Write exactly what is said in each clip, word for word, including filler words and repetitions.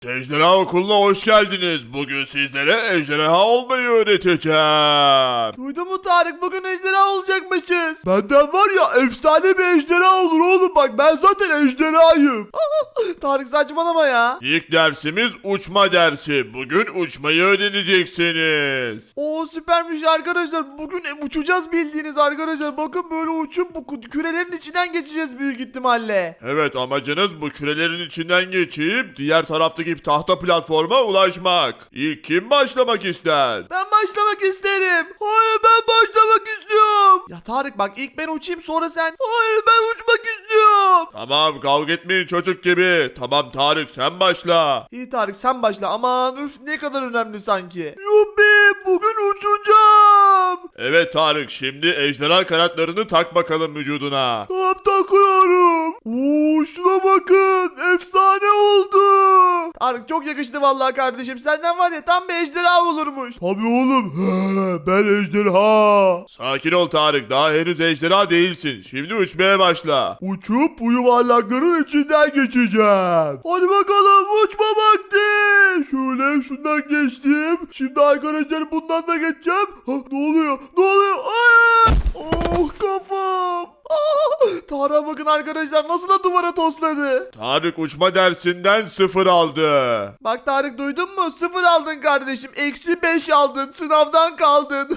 Ejderha Okulu'na hoş geldiniz. Bugün sizlere ejderha olmayı öğreteceğim. Duydun mu Tarık? Bugün ejderha olacakmışız. Benden var ya efsane bir ejderha olur oğlum, bak ben zaten ejderhayım. Tarık saçmalama ya. İlk dersimiz uçma dersi. Bugün uçmayı öğreneceksiniz. Oo süpermiş arkadaşlar. Bugün uçacağız bildiğiniz arkadaşlar. Bakın böyle uçup bu kürelerin içinden geçeceğiz büyük ihtimalle. Evet, amacınız bu kürelerin içinden geçip diğer taraftaki tahta platforma ulaşmak. İlk kim başlamak ister? Ben başlamak isterim. Hayır, ben başlamak istiyorum. Ya Tarık bak, ilk ben uçayım sonra sen. Hayır, ben uçmak istiyorum. Tamam, kavga etmeyin çocuk gibi. Tamam Tarık, sen başla. İyi Tarık, sen başla. Aman üf, ne kadar önemli sanki. Yuppi, bugün uçacağım. Evet Tarık, şimdi ejderha kanatlarını tak bakalım vücuduna. Tamam, takıyorum. Oo, şuna bakın, efsane oldu. Tarık çok yakıştı vallahi kardeşim. Senden var ya tam bir ejderha olurmuş. Tabii oğlum. He, ben ejderha. Sakin ol Tarık, daha henüz ejderha değilsin. Şimdi uçmaya başla. Uçup bu yuvarlakların içinden geçeceğim. Hadi bakalım, uçma vakti. Şöyle şundan geçtim. Şimdi arkadaşlar bundan da geçeceğim. Ha, ne oluyor? Ne oluyor? Ay! Oh, kafam. Ah! Tarık'a bakın arkadaşlar, nasıl da duvara tosladı. Tarık uçma dersinden sıfır aldı. Bak Tarık, duydun mu? Sıfır aldın kardeşim. Eksi beş aldın. Sınavdan kaldın.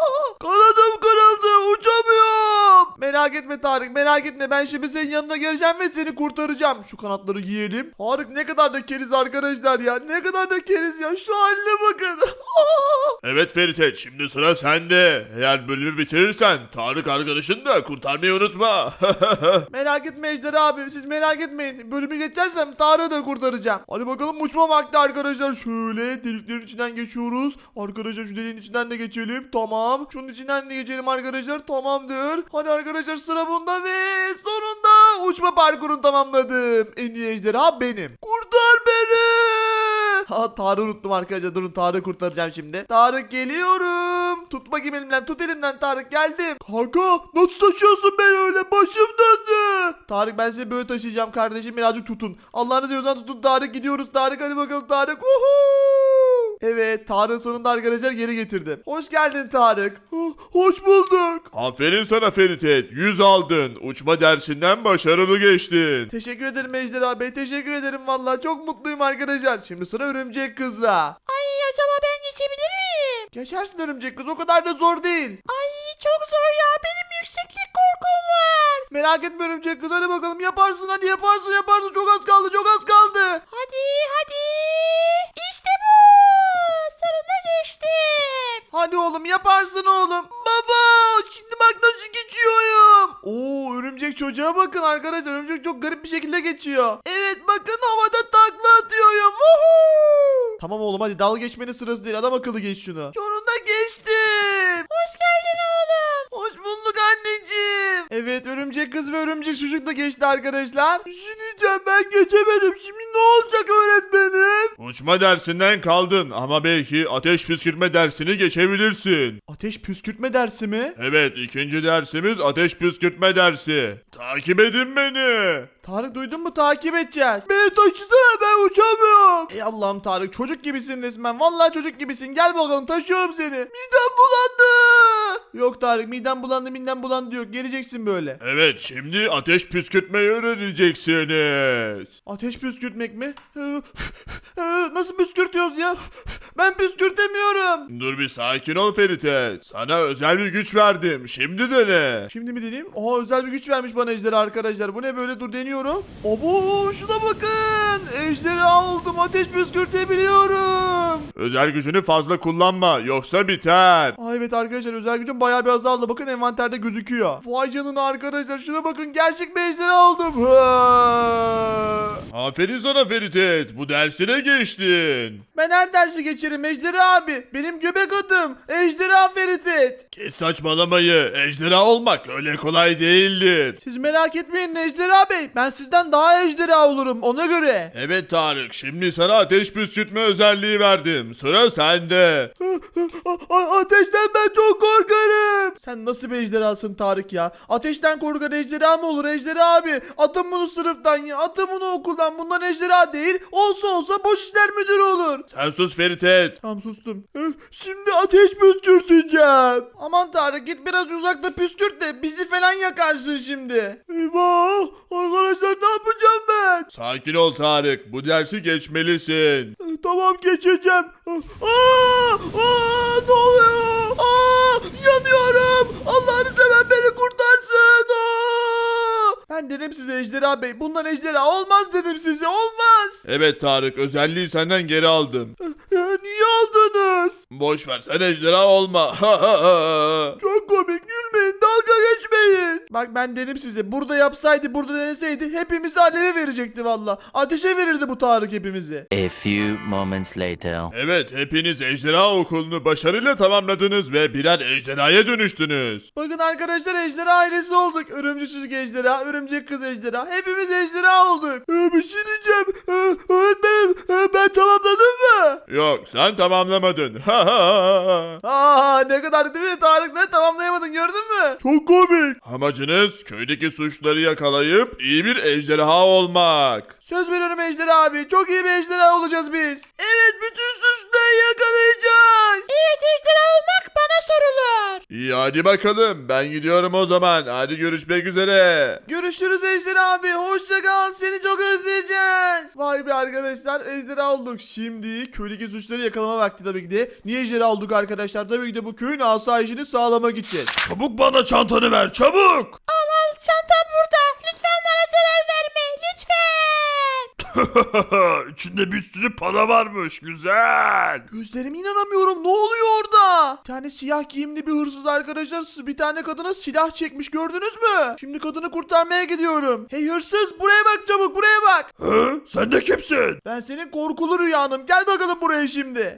Kanadım kırıldı. Uçamıyorum. Merak etme Tarık, merak etme. Ben şimdi senin yanına geleceğim ve seni kurtaracağım. Şu kanatları giyelim. Tarık ne kadar da keriz arkadaşlar ya. Ne kadar da keriz ya. Şu haline bakın. Evet Feritet, şimdi sıra sende. Eğer bölümü bitirirsen Tarık arkadaşını da kurtarmayı unutma. Merak etme Ejder abi. Siz merak etmeyin. Bölümü geçersem Tarık'ı da kurtaracağım. Hadi bakalım, uçma vakti arkadaşlar. Şöyle deliklerin içinden geçiyoruz. Arkadaşlar şu deliğin içinden de geçelim. Tamam. Şunun içinden de geçelim arkadaşlar. Tamamdır. Hadi arkadaşlar, sıra bunda ve sonunda uçma parkurunu tamamladım. En iyi ejderha benim. Kurtar beni. Ha, Tarık'ı unuttum arkadaşlar. Durun, Tarık'ı kurtaracağım şimdi. Tarık, geliyorum. Tut bakayım elimden. Tut elimden Tarık, geldim. Kanka nasıl taşıyorsun beni öyle? Başım döndü. Tarık, ben sizi böyle taşıyacağım kardeşim. Birazcık tutun. Allah'ını seviyorsan tutun Tarık. Gidiyoruz Tarık. Hadi bakalım Tarık. Uhu. Evet, Tarık sonunda arkadaşlar geri getirdim. Hoş geldin Tarık. Hoş bulduk. Aferin sana Feritet, yüz aldın. Uçma dersinden başarılı geçtin. Teşekkür ederim Ejder Bey. Teşekkür ederim vallahi. Çok mutluyum arkadaşlar. Şimdi sıra örümcek kızla. Ay acaba ben geçebilir miyim? Geçersin örümcek kız. O kadar da zor değil. Ay çok zor ya. Benim yükseklik korkum var. Merak etme örümcek kız. Hadi bakalım, yaparsın. Hadi yaparsın yaparsın. Çok az kaldı. Çok az kaldı. Hadi hadi. İşte bu. Sonunda geçtim. Hadi oğlum, yaparsın oğlum. Baba şimdi bak nasıl geçiyorum. Oo, örümcek çocuğa bakın arkadaşlar. Örümcek çok garip bir şekilde geçiyor. Evet bakın, havada takla atıyorum. Woohoo! Tamam oğlum, hadi dalga geçmenin sırası değil. Adam akıllı geç şunu. Sonunda geçtim. Hoş geldin oğlum. Hoş bulduk anneciğim. Evet, örümcek kız ve örümcek çocuk da geçti arkadaşlar. Bir şey diyeceğim, ben geçemedim. Şimdi ne olacak öğretmenim? Uçma dersinden kaldın ama belki ateş püskürtme dersini geçebilirsin. Ateş püskürtme dersi mi? Evet, ikinci dersimiz ateş püskürtme dersi. Takip edin beni. Tarık, duydun mu? Takip edeceğiz. Beni taşısana, ben uçamıyorum. Ey Allah'ım Tarık, çocuk gibisin resmen. Vallahi çocuk gibisin. Gel bakalım, taşıyorum seni. Midem bulandı. Yok Tarık, midem bulandı midem bulandı yok. Geleceksin böyle. Evet, şimdi ateş püskürtmeyi öğreneceksiniz. Ateş püskürtmek mi? Nasıl püskürtüyoruz ya? Ben püskürtemiyorum. Dur bir sakin ol Feritet. Sana özel bir güç verdim. Şimdi dene. Şimdi mi deneyeyim? Oha, özel bir güç vermiş bana ejderha arkadaşlar. Bu ne böyle? Dur, deniyorum. Abo, şuna bakın. Ejderha oldum. Ateş püskürtebiliyorum. Özel gücünü fazla kullanma yoksa biter. Aa, evet arkadaşlar, özel gücüm bayağı bir azaldı. Bakın envanterde gözüküyor. Vay canına arkadaşlar, şuna bakın, gerçek bir ejderha oldum. Ha! Aferin sana Feritet. Bu dersine geçtin. Ben her dersi geçerim ejderha abi. Benim göbek adım Ejderha Feritet. Kes saçmalamayı. Ejderha olmak öyle kolay değildir. Siz merak etmeyin Ejderha Bey. Ben sizden daha ejderha olurum ona göre. Evet Tarık, şimdi sana ateş püskürtme özelliği verdim. Salim, sıra sende. A- a- Ateşten ben çok korkarım. Sen nasıl bir ejderhasın Tarık ya? Ateşten korkan ejderha mı olur ejderha abi? Atın bunu sınıftan ya. Atın bunu okuldan. Bundan ejderha değil. Olsa olsa boş işler müdürü olur. Sen sus Feritet. Tamam sustum. Eh, Şimdi ateş püskürteceğim. Aman Tarık git biraz uzakta püskürt de bizi falan yakarsın şimdi. Eyvah. Arkadaşlar ne yapacağım ben? Sakin ol Tarık. Bu dersi geçmelisin. Eh, Tamam geçeceğim. Aa, aa, ne oluyor? Aa, yanıyorum. Allah'ını seven beni kurtarsın. Aa! Ben dedim size ejderha bey. Bundan ejderha olmaz dedim size. Olmaz. Evet Tarık, özelliği senden geri aldım. Ya, niye aldınız? Boş ver, sen ejderha olma. Çok komik, gülmeyin, dalga geçmeyin. Bak ben dedim size, burada yapsaydı, burada deneseydi hepimizi aleve verecekti valla. Ateşe verirdi bu Tarık hepimizi. A few moments later. Evet, hepiniz ejderha okulunu başarıyla tamamladınız ve birer ejderhaya dönüştünüz. Bakın arkadaşlar, ejderha ailesi olduk. Örümcek çocuk ejderha, örümcek kız ejderha. Hepimiz ejderha olduk. Ee, bir şey diyeceğim. Ee, öğretmenim, e, ben tamamladım mı? Yok, sen tamamlamadın. Aa, ne kadar değil mi Tarık, ne tamamlayamadın gördün mü? Çok komik. Amacınız köydeki suçları yakalayıp iyi bir ejderha olmak. Söz veriyorum ejderha abi, çok iyi bir ejderha olacağız biz. Evet, bütün suçları yakalayacağız. Evet, ejderha olmak bana sorulur. İyi, hadi bakalım, ben gidiyorum o zaman. Hadi görüşmek üzere. Görüşürüz ejderha abi. Hoşça kal. Seni çok özleyeceğiz. Vay be arkadaşlar. Ejderha olduk. Şimdi köydeki suçları yakalama vakti tabii ki de. Niye ejderha olduk arkadaşlar? Tabii ki de bu köyün asayişini sağlamak için. Çabuk bana çantanı ver, çabuk. Al, çantam burada. Lütfen bana zarar verme. Lütfen. İçinde bir sürü para varmış, güzel. Gözlerime inanamıyorum. Ne oluyor orada? Bir tane siyah giyimli bir hırsız arkadaşlar bir tane kadına silah çekmiş, gördünüz mü? Şimdi kadını kurtarmaya gidiyorum. Hey hırsız, buraya bak çabuk, buraya bak. Hı? Sen de kimsin? Ben senin korkulu rüyanım. Gel bakalım buraya şimdi.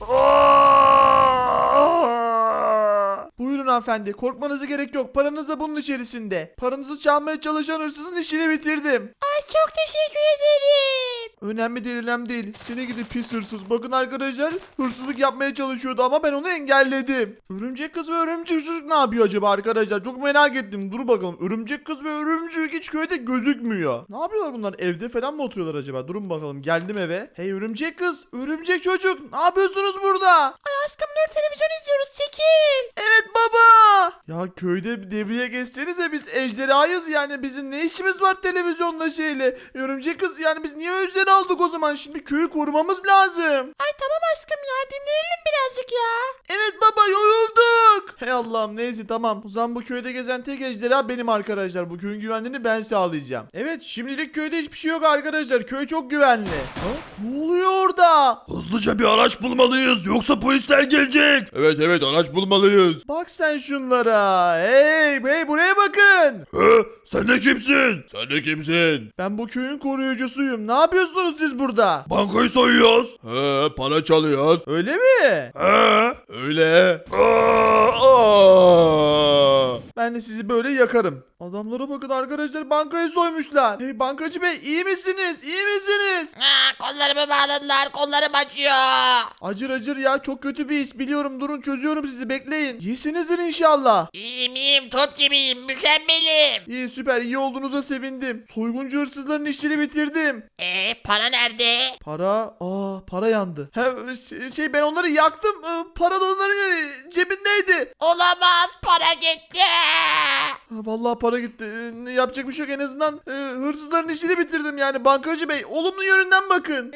Buyurun hanımefendi. Korkmanıza gerek yok. Paranız da bunun içerisinde. Paranızı çalmaya çalışan hırsızın işini bitirdim. Ay, çok teşekkür ederim. Önemli değil, önemli değil. Seni gidip pis hırsız. Bakın arkadaşlar, hırsızlık yapmaya çalışıyordu ama ben onu engelledim. Örümcek kız ve örümcek çocuk ne yapıyor acaba arkadaşlar? Çok merak ettim. Dur bakalım. Örümcek kız ve örümcek hiç köyde gözükmüyor. Ne yapıyorlar bunlar? Evde falan mı oturuyorlar acaba? Durun bakalım. Geldim eve. Hey örümcek kız, örümcek çocuk. Ne yapıyorsunuz burada? Ay aşkım, dur, televizyon izliyoruz, çekil. Evet baba. Ya köyde bir devriye geçsenize, biz ejderhayız yani, bizim ne işimiz var televizyonda şeyle. Örümcek kız, yani biz niye ejderha aldık o zaman? Şimdi köyü korumamız lazım. Ay tamam aşkım ya, dinleyelim birazcık ya. Evet baba, yorulduk. Hey Allah'ım, neyse tamam. O zaman bu köyde gezen tek ejderha benim arkadaşlar. Bu köyün güvenliğini ben sağlayacağım. Evet, şimdilik köyde hiçbir şey yok arkadaşlar. Köy çok güvenli. Ha? Ne oluyor orada? Hızlıca bir araç bulmalıyız, yoksa polisler gelecek. Evet evet, araç bulmalıyız. Bak sen şunlara. Hey hey, buraya bakın. Hı? Sen de kimsin? Sen de kimsin? Ben bu köyün koruyucusuyum. Ne yapıyorsunuz siz burada? Bankayı soyuyoruz. He, para çalıyoruz. Öyle mi? He, öyle. Aa, aa. Ben de sizi böyle yakarım. Adamlara bakın arkadaşlar, bankayı soymuşlar. Hey bankacı bey, iyi misiniz? İyi misiniz? Ha, kollarımı bağladılar, kollarım acıyor. Acır acır ya, çok kötü bir his biliyorum. Durun, çözüyorum sizi, bekleyin. İyisinizdir inşallah. İyiyim iyiyim, top gibiyim, mükemmelim. İyi, süper, iyi olduğunuza sevindim. Soyguncu hırsızların işini bitirdim. Eee, para nerede? Para, aa para yandı. He, şey- şey ben onları yaktım. Ee, Para da onların e, cebindeydi. Olamaz, para gitti. Ha, vallahi para gitti. Ee, ne yapacak bir şey yok, en azından e, hırsızların işini bitirdim yani. Bankacı bey, olumlu yönünden bakın.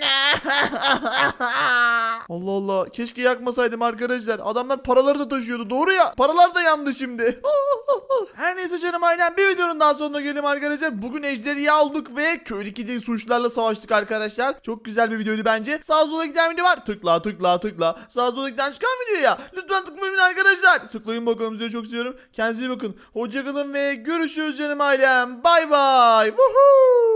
Allah Allah, keşke yakmasaydım arkadaşlar. Adamlar paraları da taşıyordu, doğru ya. Paralar da yandı şimdi. Her neyse canım ailem, bir videonun daha sonuna gelelim arkadaşlar. Bugün ejderha olduk ve köydeki de suçlularla savaştık arkadaşlar. Çok güzel bir videoydu bence. Sağ sola giden video var. Tıkla tıkla tıkla. Sağ sola giden çıkan videoya lütfen tıklayın arkadaşlar. Tıklayın bakalım, sizi çok seviyorum. Kendinize iyi bakın. Hoşçakalın ve görüşürüz canım ailem. Bay bay. Woohoo.